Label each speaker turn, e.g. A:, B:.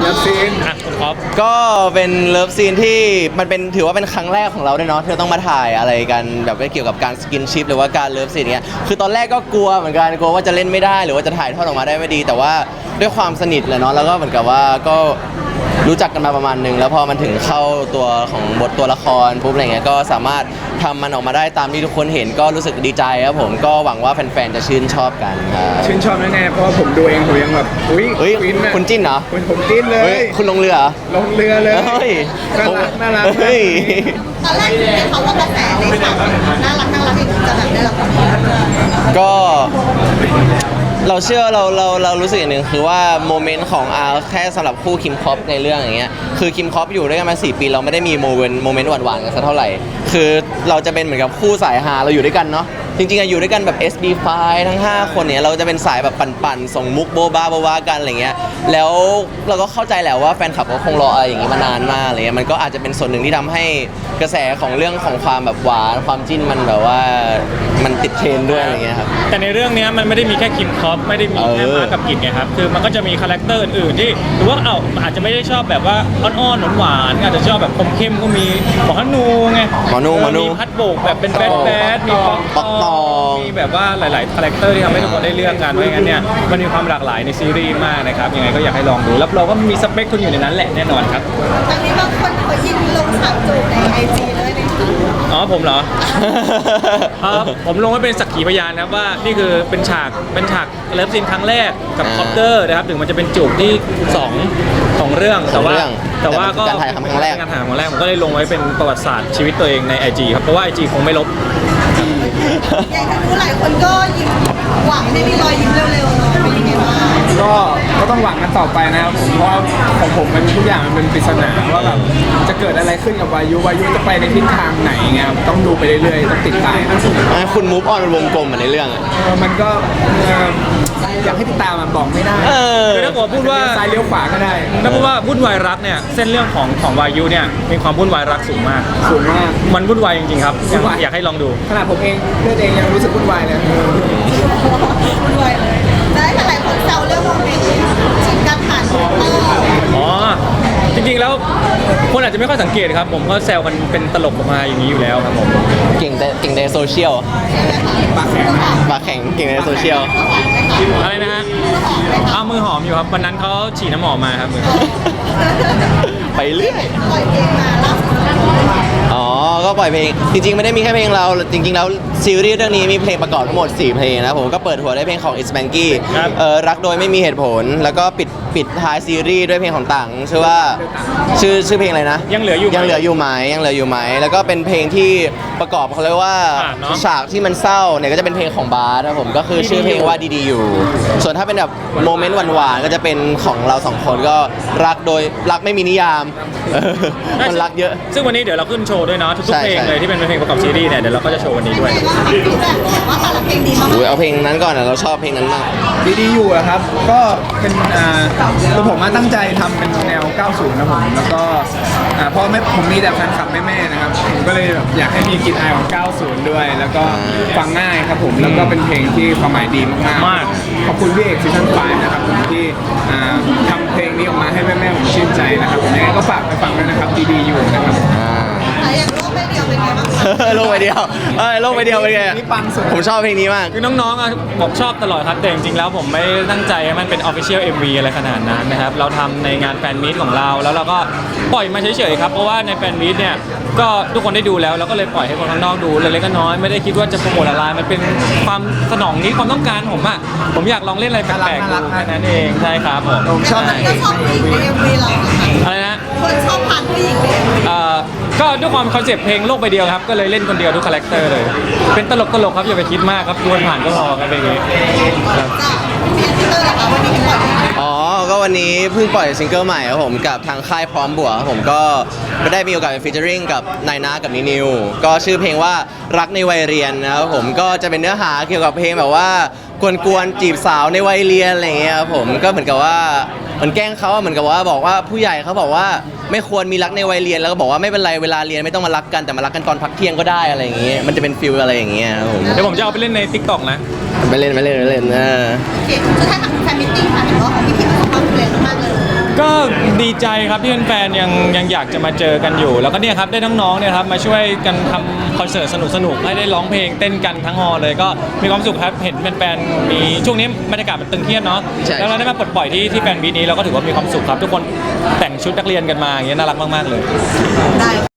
A: ลิฟซีน
B: ครับ
C: ก็เป็นเลิฟซีนที่มันเป็นถือว่าเป็นครั้งแรกของเราด้วยเนาะที่เราต้องมาถ่ายอะไรกันแบบเกี่ยวกับการสกินชิปหรือว่าการเลิฟซีนเนี้ยคือตอนแรกก็กลัวเหมือนกันกลัวว่าจะเล่นไม่ได้หรือว่าจะถ่ายทอดออกมาได้ไม่ดี แต่ว่าด้วยความสนิทแหละเนาะแล้วก็เหมือนกับว่าก็รู้จักกันมาประมาณนึงแล้วพอมันถึงเข้าตัวของบทตัวละครปุ๊บอะไรเงี้ยก็สามารถทำมันออกมาได้ตามที่ทุกคนเห็นก็รู้สึกดีใจครับผมก็หวังว่าแฟนๆจะชื่นชอบกันครับ
A: ชื่นชอบแน่ๆเพราะว่าผมดูเองผมยังแบบอุ้ย
C: เฮ้ย
A: ฟินนะ
C: คุณจิ้นเหรอ
A: ผมจิ้นเล
C: เฮ้
A: ย
C: ยคุณลงเรือเหรอ
A: ลงเรือเลย
C: เฮ้ย
A: น่ารัก
C: เฮ้ย
D: ตอนแรกคิดไหมคะว่ากระแสในข่าวน่ารักอย่างนี้จะแบบได้รับความนิยม
C: ก็เราเชื่อเรารู้สึกอย่างหนึ่งคือว่าโมเมนต์ของแค่สำหรับคู่คิมคอปในเรื่องอย่างเงี้ยคือคิมคอปอยู่ด้วยกันมา4 ปีเราไม่ได้มีโมเมนต์หวานๆกันสักเท่าไหร่คือเราจะเป็นเหมือนกับคู่สายฮาเราอยู่ด้วยกันเนาะจริงๆอยู่ด้วยกันแบบ SB5 ทั้ง5คนเนี่ยเราจะเป็นสายแบบปั่นๆส่งมุกโบ๊ะบ้ากันอะไรเงี้ยแล้วเราก็เข้าใจแหละว่าแฟนคลับก็คงรออะไรอย่างงี้มานานมากอะไรเงี้ยมันก็อาจจะเป็นส่วนหนึ่งที่ทำให้กระแสของเรื่องของความแบบหวานความจิ้นมันแบบว่ามันติดเทรนด์ด้วยอะไรเงี้ยครับ
B: แต่ในเรื่องนี้มันไม่ได้มีแค่คิมคอปไม่ได้มีแค่มากับกิจไงครับคือมันก็จะมีคาแรคเตอร์อื่นๆที่หรือว่าอาจจะไม่ได้ชอบแบบว่าอ้อนๆหวานๆอาจจะชอบแบบคมเข้มก็มีหมอฮันนูไง
C: หมอนู
B: มีพัดโบกแบบเป็นแบดมีป๊อกตองมีแบบว่าหลายๆคาแรคเตอร์ที่ทำให้ทุกคนได้เลือกกันเพราะงั้นเนี่ยมันมีความหลากหลายในซีรีส์มากนะครับยังไงก็อยากให้ลองดูรับรองว่ามีสเปคคุณอยู่ในนั้นแหละแน่นอนครับ
D: ตอนนี้บางคนเขายิงลงฉากจูบในไอจีเลยนะคะ
B: อ๋อผมเหรอ ครับผมลงไว้เป็นสักขีพยานนะครับว่านี่คือเป็นฉากเลิฟซีนครั้งแรกกับคอปเตอร์นะครับถึงมันจะเป็นจูบที่2ของเรื่องแต่ว่าก็
C: การถ่ายทำครั้งแรก
B: ผมก็เลยลงไว้เป็นประวัติศาสตร์ชีวิตตัวเองใน IG ครับเพราะว่า IG คงไม่ลบ
D: อย่างที่รู้หลายคนก็ยิ้มหวังให้มีรอยยิ้มเร็วๆเนาะเป็นยังไงบ้าง
A: ก็ต้องหวังกันต่อไปนะครับผมเพราะว่าของผมมันทุกอย่างมันเป็นปริศนาว่าแบบจะเกิดอะไรขึ้นกับวายุจะไปในทิศทางไหนเงี้ยต้องดูไปเรื่อยๆต้องติดตามนะ
C: คุณมูฟออนเป็นวงกลมเหมือนในเรื่องอะ
A: มันก็อยากให้ติดตามมันบอกไม่ได้
B: คือถ้าผมพูดว่า
A: ซ้ายเลี้ยวขวาก็ได้
B: ถ้าพูดว่าวุ่นวายรักเนี่ยเส้นเรื่องของวายุเนี่ยมีความวุ่นวายรักสูงมากมันวุ่นวายจริงๆครับอยากให้ลองดู
A: ขนาดผมเองเลือดเองยังรู้สึกวุ่นวายเลย
D: ด้วยเลยได้หลายคนแซวเรื่องโมเมนต์ชิงการผ่านของเรา
B: อ๋อจริงๆแล้วคนอาจจะไม่ค่อยสังเกตครับผมก็แซวกันเป็นตลกออกมาอย่างนี้อยู่แล้วครับผม
C: เก่งในโซเชียลปากแข็งเก่งในโซเชียล
B: อะไรนะฮะเอามือหอมอยู่ครับวันนั้นเขาฉีดน้ำหอมมาครับมือ
C: ไปเรื่อย
D: ปล่อยเพลงมาล่าสุด
C: อ๋อก็ปล่อยเพลงจริงๆไม่ได้มีแค่เพลงเราจริงๆแล้วซีรีส์เรื่องนี้มีเพลงประกอบทั้งหมด4 เพลงนะผมก็เปิดหัวด้วยเพลงของ It's Manky รักโดยไม่มีเหตุผลแล้วก็ปิดท้ายซีรีส์ด้วยเพลงของต่างชื่อว่าชื่อเพลงอะไรนะ
B: ยังเหลืออยู่
C: ไหมแล้วก็เป็นเพลงที่ประกอบเขาเรียกว่าฉากที่มันเศร้าเนี่ยก็จะเป็นเพลงของบาสนะผมก็คือชื่อเพลงว่าดีๆอยู่ส่วนถ้าเป็นแบบโมเมนต์หวานๆก็จะเป็นของเรา2 คนก็รักไม่มีนิยามมันรักเยอะ
B: ซึ่งวันนี้เดี๋ยวเราขึ้นโชว์ด้วยเนาะทุกเพลงเลยที่เป็นเพลงประกอบซีรีส์เนี่ยเดี๋ยวเราก็จะโชว์วันนี้ด้วย
D: ว่าแต่ละเพลงดีมาก
C: เอาเพลงนั้นก่อนนะเราชอบเพลงนั้นมาก
A: ดีอยู่อะครับก็เป็นตัวผมตั้งใจทำเป็นแนว 90 นะผมแล้วก็เพราะผมมีแต่แฟนคลับแม่ๆนะครับผมก็เลยแบบอยากให้มีกลิ่นอายของ 90 ด้วยแล้วก็ฟังง่ายครับผมแล้วก็เป็นเพลงที่ความหมายดีมากๆขอบคุณพี่เอกซีซั่น5นะครับผมที่ทำเพลงนี้ออกมาให้แม่ๆผมชื่นใจนะครับผมยังไงก็ฝากไปฟังด้วยนะครับดีอยู่นะครับ
D: อย่างโลกใบเดียวเป็นไงบ้าง
C: โลกใบเดียวเป็นไงผมชอบเพลงนี้มาก
B: คือน้องๆบอกชอบตลอดครับแต่จริงๆแล้วผมไม่ตั้งใจให้มันเป็น Official MV อะไรขนาดนั้นนะครับเราทำในงานแฟนมีตของเราแล้วเราก็ปล่อยมาเฉยๆครับเพราะว่าในแฟนมีตเนี่ยก็ทุกคนได้ดูแล้วเราก็เลยปล่อยให้คนข้างนอกดูเล็กๆน้อยๆไม่ได้คิดว่าจะโปรโมทอะไรมันเป็นความสนองนี้ความต้องการผมอยากลองเล่นอะไรแปลกๆดูแค่นั้นเองใช่ครับ
A: ผมชอบ
D: ก็ชอบผู้หญิงใน MV เรา
B: อะไรนะ
D: คนชอบผ่านผู้หญิง
B: ก็ด้วยความคอนเซ็ปต์เพลงโลกใบเดียวครับก็เลยเล่นคนเดียวทุกคาแรคเตอร์เลยเป็นตลกครับอย่าไปคิดมากครับดวลผ่านก็พอครับเพลงนี้
C: อ๋อก็วันนี้เพิ่งปล่อยซิงเกิลใหม่ครับผมกับทางค่ายพร้อมบวกผมก็ได้มีโอกาสไปฟีเจอริ่งกับนายนากับนิวก็ชื่อเพลงว่ารักในวัยเรียนนะครับผมก็จะเป็นเนื้อหาเกี่ยวกับเพลงแบบว่ากวนจีบสาวในวัยเรียนอะไรเงี้ยครับผมก็เหมือนกับว่าเหมือนแกล้งเขาเหมือนกับว่าบอกว่าผู้ใหญ่เขาบอกว่าไม่ควรมีรักในวัยเรียนแล้วก็บอกว่าไม่เป็นไรเวลาเรียนไม่ต้องมารักกันแต่มารักกันตอนพักเที่ยงก็ได้อะไรอย่างเงี้ยมันจะเป็นฟิลอะไรอย่างเงี้ยครับผม
B: เดี๋ยวผมจะเอาไปเล่นใน TikTok นะ
C: ไปเล่นนะ
D: โอเคสุดท้ายทำแฟนมิตติ้งค่ะเห็นว่าของพี่ๆประสบความสำเร็จมากเลย
B: ก็ดีใจครับที่แฟนๆยังอยากจะมาเจอกันอยู่ แล้วก็เนี่ยครับได้น้องๆเนี่ยครับมาช่วยกันทำคอนเสิร์ตสนุกๆให้ได้ร้องเพลงเต้นกันทั้งฮอลเลยก็มีความสุขครับเห็นแฟนๆมีช่วงนี้บรรยากาศมันตึงเครียดเนาะ
C: ใช่
B: แล้วเราได้มาปลดปล่อยที่แฟนบีทนี้เราก็ถือว่ามีความสุขครับทุกคนแต่งชุดนักเรียนกันมาอย่างเงี้ยน่ารักมากๆเลย
D: ได้